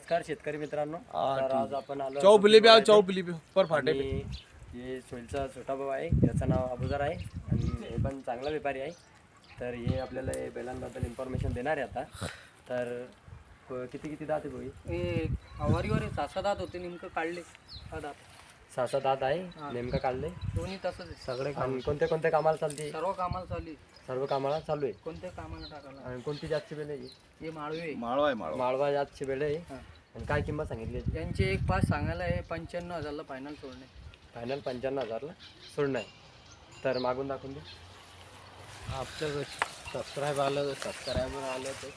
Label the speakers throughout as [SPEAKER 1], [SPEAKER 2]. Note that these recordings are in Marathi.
[SPEAKER 1] नमस्कार शेतकरी मित्रांनो. तर आज आपण आलो
[SPEAKER 2] चौपली पर फाटे
[SPEAKER 1] आणि हे सोयीचा छोटा भाऊ आहे, याचं नाव अबुजर आहे आणि हे पण चांगला व्यापारी आहे. तर हे आपल्याला हे बैलांबद्दल इन्फॉर्मेशन देणार आहे आता. तर किती किती दात आहे भाऊ?
[SPEAKER 3] हे आवारीवर 6 दात होते, नेमकं काढले 6 दात.
[SPEAKER 1] 6 दात आहे नेमकं काढले.
[SPEAKER 3] दोन्ही तसंच आहे.
[SPEAKER 1] सगळे आणि कोणत्या कोणत्या कामाला चालते?
[SPEAKER 3] सर्व कामाला चालू आहे.
[SPEAKER 1] सर्व कामाला चालू आहे.
[SPEAKER 3] कोणत्या कामाला टाकायला?
[SPEAKER 1] आणि कोणती जातची बैल आहे?
[SPEAKER 3] हे माळवे
[SPEAKER 1] माळवा जातची बैल आहे.
[SPEAKER 3] हां.
[SPEAKER 1] आणि काय किंमत सांगितली याची?
[SPEAKER 3] यांचे एक पाच सांगायला आहे, 95,000ला फायनल सोडणे.
[SPEAKER 1] फायनल 95,000ला सोडणं आहे. तर मागून दाखवून दे.
[SPEAKER 2] आपलं सबस्क्राईबर आलं ते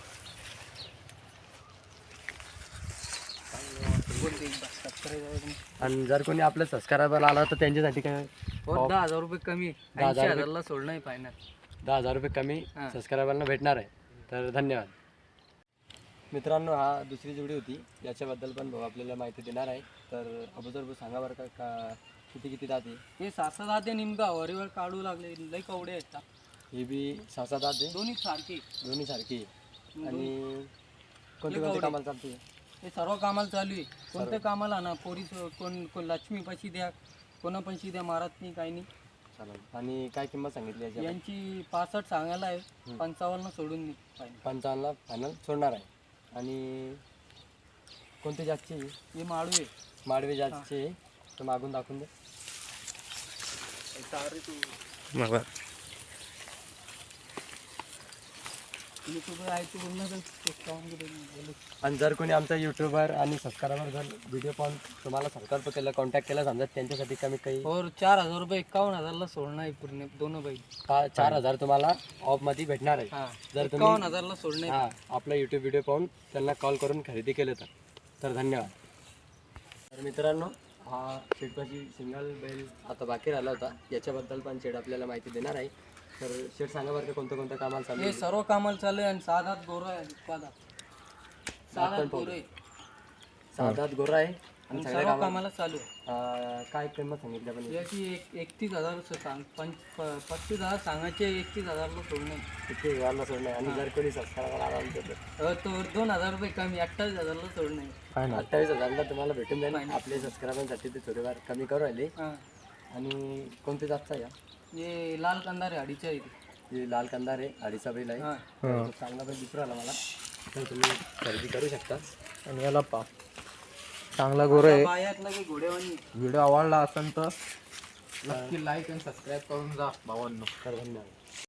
[SPEAKER 3] बोलते एकदा, सबस्क्राईब
[SPEAKER 1] आणि जर कोणी आपलं सबस्क्रायबर आला तर त्यांच्यासाठी काय?
[SPEAKER 3] 10,000 रुपये कमी,
[SPEAKER 1] 10,000
[SPEAKER 3] 80,000ला सोडणं आहे फायनल.
[SPEAKER 1] 10,000 रुपये कमी
[SPEAKER 3] हां.
[SPEAKER 1] सबस्क्रायबरला भेटणार आहे. तर धन्यवाद मित्रांनो. हा दुसरी जोडी होती, याच्याबद्दल पण भाऊ आपल्याला माहिती देणार आहे. तर अगोदर भाऊ सांगा बरं का किती किती दात आहे?
[SPEAKER 3] हे 6 दात आहे, नेमकं आवारीवर काढू लागले, लई कवडे आहेत.
[SPEAKER 1] ही बी 6 दात आहे,
[SPEAKER 3] दोन्ही सारखे.
[SPEAKER 1] दोन्ही सारखी आहे. आणि कोणत्या
[SPEAKER 3] कवडे.
[SPEAKER 1] कोणत्या कामाला चालते?
[SPEAKER 3] हे सर्व कामाला चालू आहे. कोणत्या कामाला ना, पोरीस कोण लक्ष्मीपाशी द्या, कोणापाशी द्या, मारत नाही काही नाही.
[SPEAKER 1] चालेल. आणि काय किंमत सांगितली याची?
[SPEAKER 3] यांची 65 सांगायला आहे, 55 सोडून नाही फायनल.
[SPEAKER 1] 55ला फायनल सोडणार आहे. आणि कोणती जातची आहे?
[SPEAKER 3] हे माळवे.
[SPEAKER 1] माडवी जातची आहे. तर मागून दाखवून दे.
[SPEAKER 3] युट्यूबर आहे तू बोलणं.
[SPEAKER 1] आणि जर कोणी आमचा युट्यूबर आणि सबस्क्रायबर जर व्हिडिओ पाहून तुम्हाला संपर्क केला, कॉन्टॅक्ट केला समजा, त्यांच्यासाठी कमी काही
[SPEAKER 3] और 4,000 रुपये 51,000ला सोडणं आहे पूर्ण दोन बैल.
[SPEAKER 1] 4,000 तुम्हाला ऑफमध्ये भेटणार आहे.
[SPEAKER 3] हा,
[SPEAKER 1] जर तुम्ही
[SPEAKER 3] 51,000ला सोडणं आहे.
[SPEAKER 1] आपला यूट्यूब व्हिडिओ पाहून त्यांना कॉल करून खरेदी केलं तर धन्यवाद. तर मित्रांनो, हा शेटपाशी सिंगल बैल आता बाकी राहिला होता, याच्याबद्दल पण शेड आपल्याला माहिती देणार आहे. तर शेड सांगा बरं का कोणत्या कोणत्या कामाला चालू
[SPEAKER 3] हे
[SPEAKER 1] आहे?
[SPEAKER 3] सर्व कामाला चालू आहे आणि 6 दात गोरा आहे. 6 दात गोरं आहे.
[SPEAKER 1] 6 दात गोरा आहे आणि
[SPEAKER 3] आणि
[SPEAKER 1] सगळ्या
[SPEAKER 3] सर्व कामाला चालू आहे.
[SPEAKER 1] काय किंमत सांगितली आपण?
[SPEAKER 3] याची 31,000 सांग, 35,000 सांगायचे, 31,000ला सोडणं आहे.
[SPEAKER 1] किती हजारला सोडणार? आणि जर कोणी सबस्क्रायबर आला आमच्या
[SPEAKER 3] तो 2,000 रुपये कमी, 28,000ला सोडणं आहे.
[SPEAKER 1] 28,000ला तुम्हाला भेटून जाईल. आपले सबस्क्रायबरसाठी ते थोडेफार कमी करू राहिले.
[SPEAKER 3] हां.
[SPEAKER 1] आणि कोणते जातचा या?
[SPEAKER 3] हे लाल कंदारे अडीच्या इथे.
[SPEAKER 1] हे लाल कंदार आहे, अडीचा बैल आहे.
[SPEAKER 3] हां.
[SPEAKER 1] तो चांगला बैल दिसू राहिला मला. तर तुम्ही खरेदी करू शकता.
[SPEAKER 2] आणि याला चांगला गोर आहे.
[SPEAKER 3] बायातला काही घोडेवानी.
[SPEAKER 2] व्हिडिओ आवडला असेल तर नक्की लाईक आणि सबस्क्राईब करून जा भावांनो.
[SPEAKER 1] तर धन्यवाद.